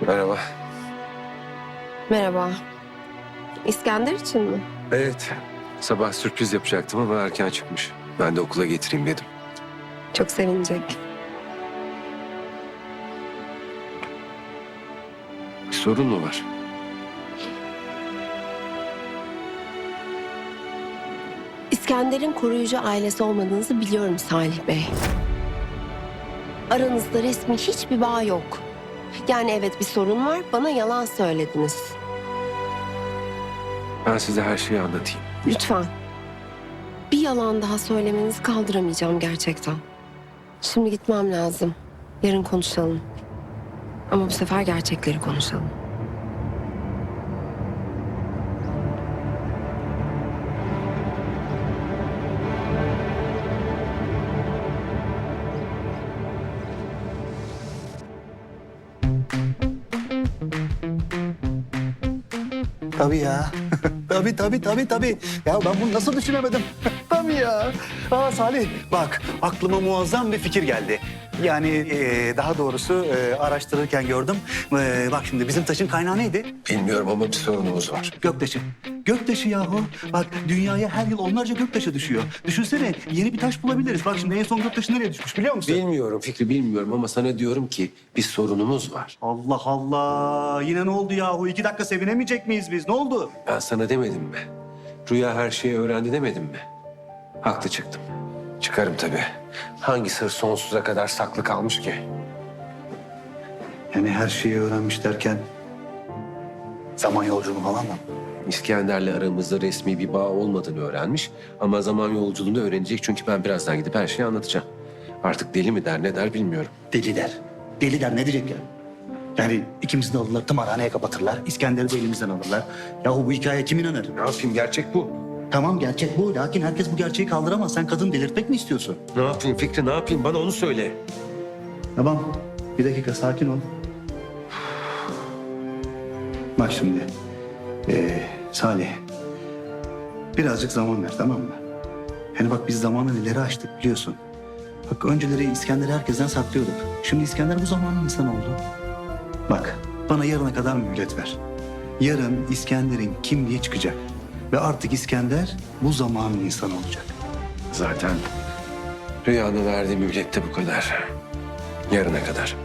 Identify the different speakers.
Speaker 1: Merhaba.
Speaker 2: Merhaba. İskender için mi?
Speaker 1: Evet, sabah sürpriz yapacaktım ama erken çıkmış. Ben de okula getireyim dedim.
Speaker 2: Çok sevinecek.
Speaker 1: Bir sorun mu var?
Speaker 2: İskender'in koruyucu ailesi olmadığınızı biliyorum Salih Bey. Aranızda resmi hiçbir bağ yok. Yani evet bir sorun var, bana yalan söylediniz.
Speaker 1: Ben size her şeyi anlatayım.
Speaker 2: Lütfen. Bir yalan daha söylemenizi kaldıramayacağım gerçekten. Şimdi gitmem lazım. Yarın konuşalım. Ama bu sefer gerçekleri konuşalım.
Speaker 3: Tabii ya. tabii. Ya ben bunu nasıl düşünemedim? Tabii ya. Salih bak aklıma muazzam bir fikir geldi. Yani daha doğrusu araştırırken gördüm. Bak şimdi bizim taşın kaynağı neydi?
Speaker 1: Bilmiyorum ama bir sorunumuz var.
Speaker 3: Göktaşı. Göktaşı yahu. Bak dünyaya her yıl onlarca göktaşı düşüyor. Düşünsene yeni bir taş bulabiliriz. Bak şimdi en son göktaşı nereye düşmüş biliyor musun?
Speaker 1: Bilmiyorum Fikri, bilmiyorum ama sana diyorum ki bir sorunumuz var.
Speaker 3: Allah Allah. Yine ne oldu yahu? 2 dakika sevinemeyecek miyiz biz? Ne oldu?
Speaker 1: Ben sana demedim mi? Rüya her şeyi öğrendi demedim mi? Haklı çıktım. Çıkarım tabii. Hangi sır sonsuza kadar saklı kalmış ki?
Speaker 3: Yani her şeyi öğrenmiş derken zaman yolculuğu falan mı?
Speaker 1: İskender'le aramızda resmi bir bağ olmadığını öğrenmiş. Ama zaman yolculuğunu öğrenecek çünkü ben birazdan gidip her şeyi anlatacağım. Artık deli mi der ne der bilmiyorum.
Speaker 3: Deli der. Deli der ne diyecek ya? Yani ikimizi de alırlar, tımarhaneye kapatırlar. İskender'i de elimizden alırlar. Yahu bu hikaye kim inanır?
Speaker 1: Ne yapayım, gerçek bu.
Speaker 3: Tamam gerçek bu. Lakin herkes bu gerçeği kaldıramaz. Sen kadın delirtmek mi istiyorsun?
Speaker 1: Ne yapayım Fikri, ne yapayım, bana onu söyle.
Speaker 3: Tamam. Bir dakika sakin ol. Bak şimdi. Salih. Birazcık zaman ver tamam mı? Yani bak biz zamanı ileri açtık biliyorsun. Bak önceleri İskender'i herkesten saklıyorduk. Şimdi İskender bu zamanın insanı oldu. Bak bana yarına kadar mühlet ver. Yarın İskender'in kimliği çıkacak. Ve artık İskender bu zamanın insanı olacak.
Speaker 1: Zaten Rüya'nın verdiği mühlet de bu kadar. Yarına kadar.